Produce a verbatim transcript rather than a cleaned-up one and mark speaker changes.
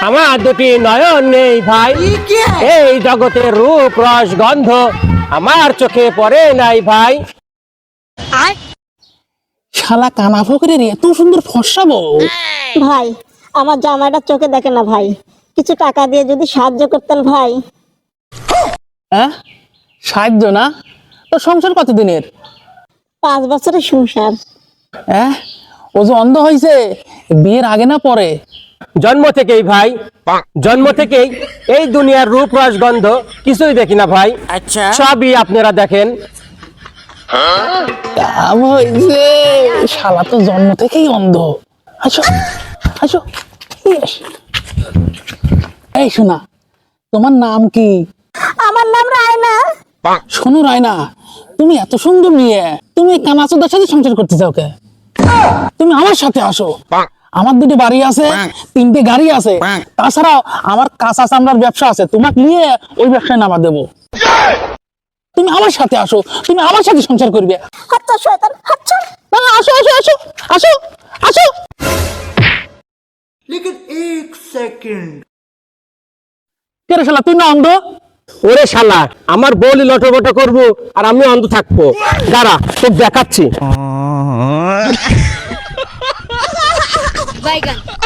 Speaker 1: আমার দুটি নয়ন নেই ভাই, এই জগতের রূপ রস গন্ধ আমার চোখে পড়ে নাই ভাই।
Speaker 2: শালা কানা ফকরের এত সুন্দর ফর্সা বউ।
Speaker 3: ভাই আমার জামাইটা চোখে দেখে না ভাই, কিছু টাকা দিয়ে যদি সাহায্য করতেন ভাই।
Speaker 2: হ্যাঁ সাহায্য না, তো সংসার কতদিনের?
Speaker 3: পাঁচ বছরের সংসার।
Speaker 2: হ্যাঁ ও যে অন্ধ হয়েছে, বিয়ের আগে না পরে?
Speaker 1: জন্ম থেকেই ভাই, জন্ম থেকেই এই দুনিয়ার রূপ রস গন্ধ কিছুই দেখি না ভাই।
Speaker 2: আচ্ছা
Speaker 1: সবই আপনারা দেখেন।
Speaker 2: কাম হয়েছে, শালা তো জন্ম থেকেই অন্ধ। আসো আসো ইয়েস। এই শোনা, তোমার নাম কি?
Speaker 3: আমার নাম রায়না।
Speaker 2: শোনো রায়না, তুমি এত সুন্দর মেয়ে, তুমি কানাচোদার সাথে সংসার করতে চাও কে? তুমি আমার সাথে আসো, আমার দুটো বাড়ি আছে, তিনটে গাড়ি আছে, তাছাড়াও আমার কাঁচা চামড়ার ব্যবসা আছে, তোমাকে নিয়ে ওই ব্যবসায় নামা দেবো। তুমি আমার সাথে আসো, তুমি আমার সাথে সংসার করবে।
Speaker 3: আচ্ছা শয়তান আচ্ছা।
Speaker 2: না, আসো আসো আসো আসো আসো।
Speaker 4: लेकिन एक सेकंड
Speaker 2: কে রে শালা, তুই না অন্ধ?
Speaker 1: ওরে শালা, আমার বলি লটবট করবো আর আমি অন্ধ থাকবো? দাঁড়া তোর দেখাচ্ছি।
Speaker 5: Bye, gun.